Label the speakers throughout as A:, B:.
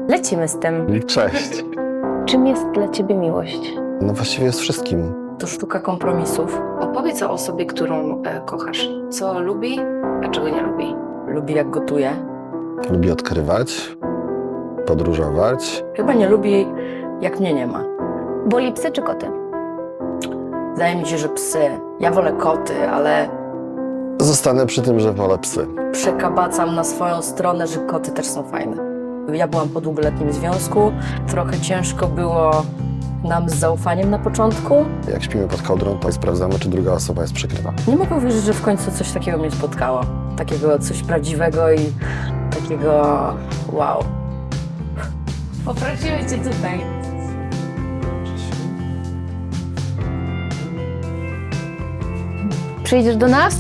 A: Lecimy z tym.
B: I cześć.
A: Czym jest dla ciebie miłość?
B: No właściwie jest wszystkim.
C: To sztuka kompromisów. Opowiedz o osobie, którą kochasz. Co lubi, a czego nie lubi. Lubi jak gotuje.
B: Lubi odkrywać, podróżować.
C: Chyba nie lubi jak mnie nie ma.
A: Boli psy czy koty?
C: Wydaje mi się, że psy. Ja wolę koty, ale
B: Zostanę przy tym, że wolę psy.
C: przekabacam na swoją stronę, że koty też są fajne. Ja byłam po długoletnim związku. Trochę ciężko było nam z zaufaniem na początku.
B: Jak śpimy pod kołdrą, to sprawdzamy, czy druga osoba jest przykryta.
C: Nie mogę uwierzyć, że w końcu coś takiego mnie spotkało. Takiego coś prawdziwego i takiego wow. Poprosimy cię tutaj.
A: Przyjdziesz do nas?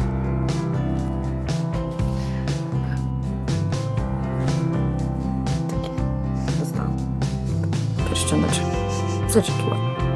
C: Zostałam. Pierścioneczek. Zaczepiła.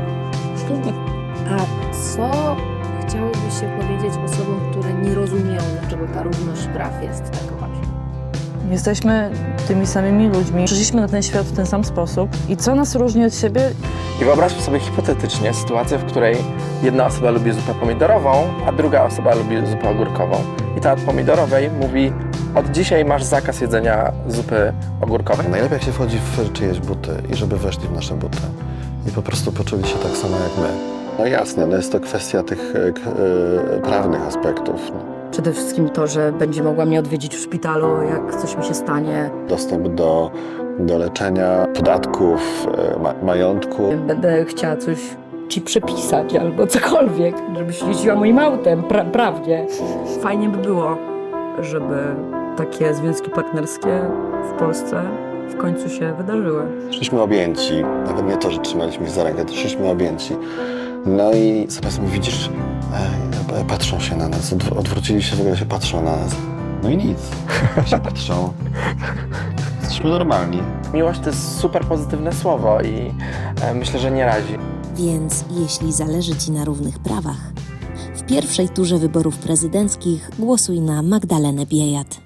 D: A co chciałybyś się powiedzieć osobom, które nie rozumieją, dlaczego ta równość praw jest tak ważna?
E: Jesteśmy tymi samymi ludźmi, przyszliśmy na ten świat w ten sam sposób i co nas różni od siebie?
F: I wyobraźmy sobie hipotetycznie sytuację, w której jedna osoba lubi zupę pomidorową, a druga osoba lubi zupę ogórkową. I ta od pomidorowej mówi: od dzisiaj masz zakaz jedzenia zupy ogórkowej.
B: Najlepiej jak się wchodzi w czyjeś buty i żeby weszli w nasze buty. I po prostu poczuli się tak samo jak my. No jasne, no jest to kwestia tych prawnych aspektów. No.
C: Przede wszystkim to, że będzie mogła mnie odwiedzić w szpitalu, jak coś mi się stanie.
B: Dostęp do leczenia, podatków, majątku.
C: Będę chciała coś ci przepisać albo cokolwiek, żebyś jeździła moim autem, prawnie. Fajnie by było, żeby takie związki partnerskie w Polsce w końcu się wydarzyły.
B: Szliśmy objęci, nawet nie to, że trzymaliśmy się za rękę, to szliśmy objęci. No i zamiast mi widzisz, patrzą się na nas, odwrócili się, w ogóle się patrzą na nas. No i nic, się patrzą. Jesteśmy normalni.
F: Miłość to jest super pozytywne słowo i myślę, że nie razi.
G: Więc jeśli zależy Ci na równych prawach, w pierwszej turze wyborów prezydenckich głosuj na Magdalenę Biejat.